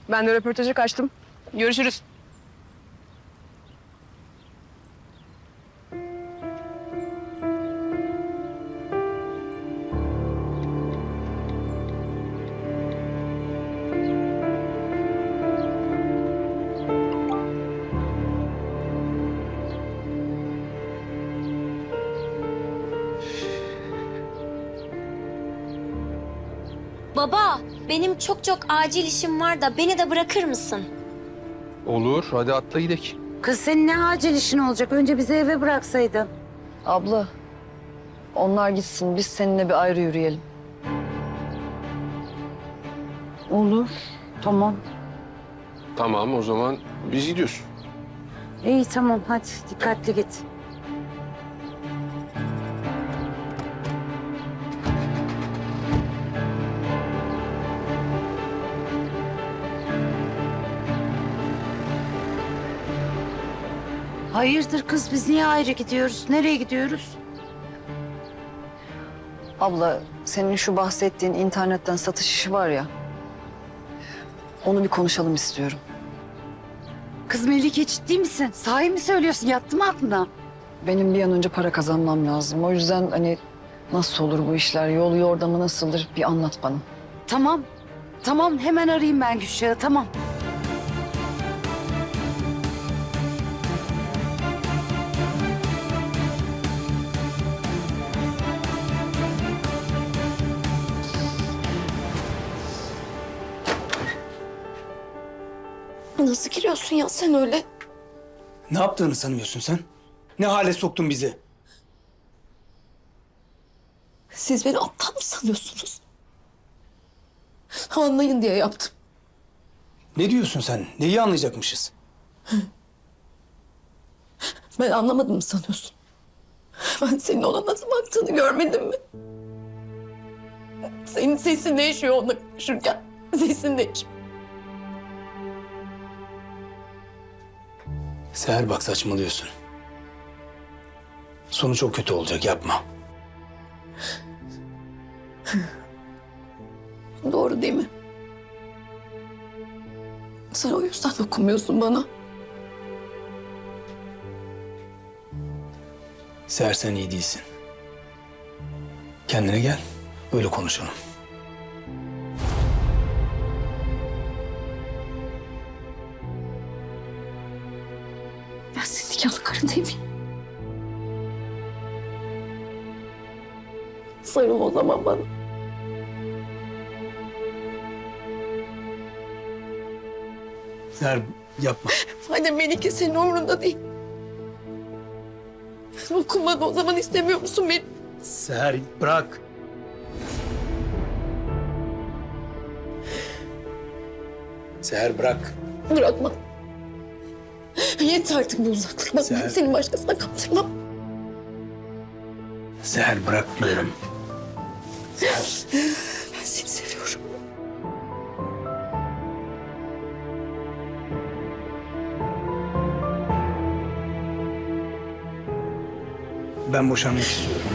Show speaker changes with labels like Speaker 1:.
Speaker 1: Ben de röportaja kaçtım. Görüşürüz.
Speaker 2: Baba, benim çok acil işim var da beni de bırakır mısın?
Speaker 3: Olur, hadi atla gidelim.
Speaker 4: Kız senin ne acil işin olacak? Önce bizi eve bıraksaydın.
Speaker 5: Abla, onlar gitsin. Biz seninle bir ayrı yürüyelim.
Speaker 4: Olur. Tamam.
Speaker 3: Tamam, o zaman biz gidiyoruz.
Speaker 4: İyi tamam hadi dikkatli git. Hayırdır kız biz niye ayrı gidiyoruz? Nereye gidiyoruz?
Speaker 5: Abla, senin şu bahsettiğin internetten satış işi var ya. Onu bir konuşalım istiyorum.
Speaker 4: Kız Melike ciddi misin? Sahi mi söylüyorsun? Yattı mı aklına?
Speaker 5: Benim bir an önce para kazanmam lazım. O yüzden hani nasıl olur bu işler, yolu yordamı nasıldır bir anlat bana.
Speaker 4: Tamam. Tamam hemen arayayım ben Gülşah'ı tamam.
Speaker 6: Nasıl giriyorsun ya sen öyle?
Speaker 7: Ne yaptığını sanıyorsun sen? Ne hale soktun bizi?
Speaker 6: Siz beni aptal mı sanıyorsunuz? Anlayın diye yaptım.
Speaker 7: Ne diyorsun sen? Neyi anlayacakmışız?
Speaker 6: Ben anlamadım mı sanıyorsun? Ben senin ona nasıl baktığını görmedim mi? Senin sesin değişiyor onunla konuşurken. Sesin değişiyor.
Speaker 7: Seher bak saçmalıyorsun. Sonu çok kötü olacak yapma.
Speaker 6: Doğru değil mi? Sen o yüzden dokunmuyorsun bana.
Speaker 7: Seher sen iyi değilsin. Kendine gel. Öyle konuşalım.
Speaker 6: Ben senin nikahlı karın değil miyim? Sarıl o zaman bana.
Speaker 7: Seher yapma.
Speaker 6: Anne Melike senin umurunda değil. Dokunmadı o zaman istemiyor musun beni?
Speaker 7: Seher bırak. Seher bırak.
Speaker 6: Bırakma. Yeter artık bu uzaklık. Bak ben
Speaker 7: Sen-
Speaker 6: seni başkasına kaptırmam.
Speaker 7: Seher bırak diyorum. Seher.
Speaker 6: Ben seni seviyorum.
Speaker 7: Ben boşanmak istiyorum.